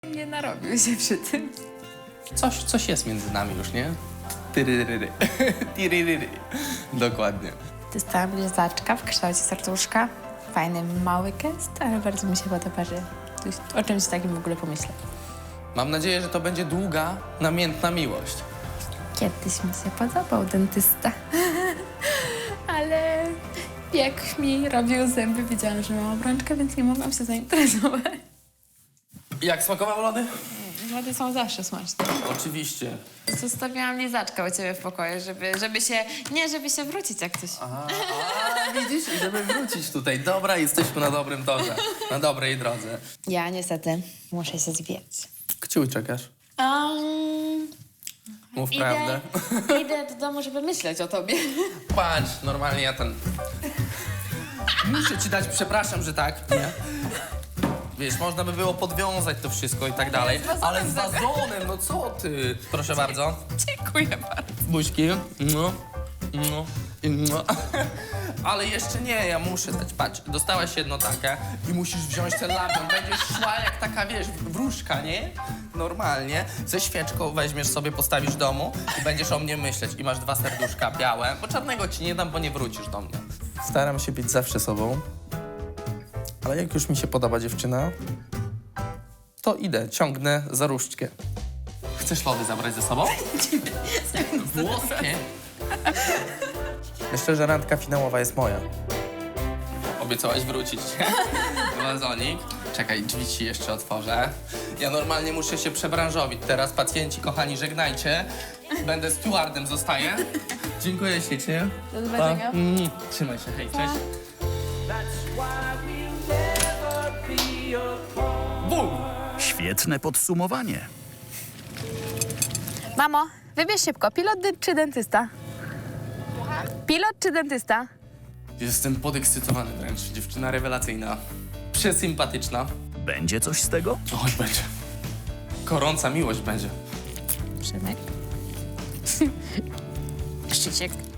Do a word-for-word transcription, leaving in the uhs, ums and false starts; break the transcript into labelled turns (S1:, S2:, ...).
S1: Nie narobił się przy tym.
S2: Coś, coś jest między nami już, nie? Tyryryry. Tyryryry. Dokładnie.
S1: Dostałam lizaczka w kształcie serduszka. Fajny, mały gest, ale bardzo mi się podoba, że ktoś o czymś takim w ogóle pomyślał.
S2: Mam nadzieję, że to będzie długa, namiętna miłość.
S1: Kiedyś mi się podobał dentysta, ale jak mi robił zęby, wiedziałam, że mam obrączkę, więc nie mogłam się zainteresować.
S2: Jak smakowały lody?
S1: Lody są zawsze smaczne.
S2: Oczywiście.
S1: Zostawiałam lizaczka u ciebie w pokoju, żeby, żeby się... Nie, żeby się wrócić jak coś.
S2: A, a, widzisz? I żeby wrócić tutaj. Dobra, jesteśmy na dobrym torze. Na dobrej drodze.
S1: Ja niestety muszę się zwijać.
S2: Kciuj czekasz.
S1: Um,
S2: Mów
S1: idę,
S2: prawdę.
S1: idę do domu, żeby myśleć o tobie.
S2: Patrz, normalnie ja ten... Muszę ci dać, przepraszam, że tak, nie? Wiesz, można by było podwiązać to wszystko i tak dalej, ale z wazonem, no co ty? Proszę bardzo.
S1: Dziękuję bardzo.
S2: Buźki. No, no, i no. Ale jeszcze nie, ja muszę dać. Patrz, dostałaś jedno takie i musisz wziąć ten labion. Będziesz szła jak taka, wiesz, wróżka, nie? Normalnie. Ze świeczką weźmiesz sobie, postawisz w domu i będziesz o mnie myśleć. I masz dwa serduszka białe, bo czarnego ci nie dam, bo nie wrócisz do mnie. Staram się być zawsze sobą, ale jak już mi się podoba dziewczyna, to idę, ciągnę za różdżkę. Chcesz lody zabrać ze sobą? Włoskie? Myślę, że randka finałowa jest moja. Obiecałaś wrócić. Wazonik. Czekaj, drzwi ci jeszcze otworzę. Ja normalnie muszę się przebranżowić. Teraz pacjenci, kochani, żegnajcie. Będę stewardem, zostaję. Dziękuję ślicznie.
S1: Do zobaczenia.
S2: Pa. Mm, Trzymaj się, hej, cześć. Bum!
S3: Świetne podsumowanie.
S1: Mamo, wybierz szybko, pilot dy- czy dentysta? Pilot czy dentysta?
S2: Jestem podekscytowany wręcz. Dziewczyna rewelacyjna. Przesympatyczna.
S3: Będzie coś z tego?
S2: Oj, będzie. Gorąca miłość będzie.
S1: Przemek. Szczyciek.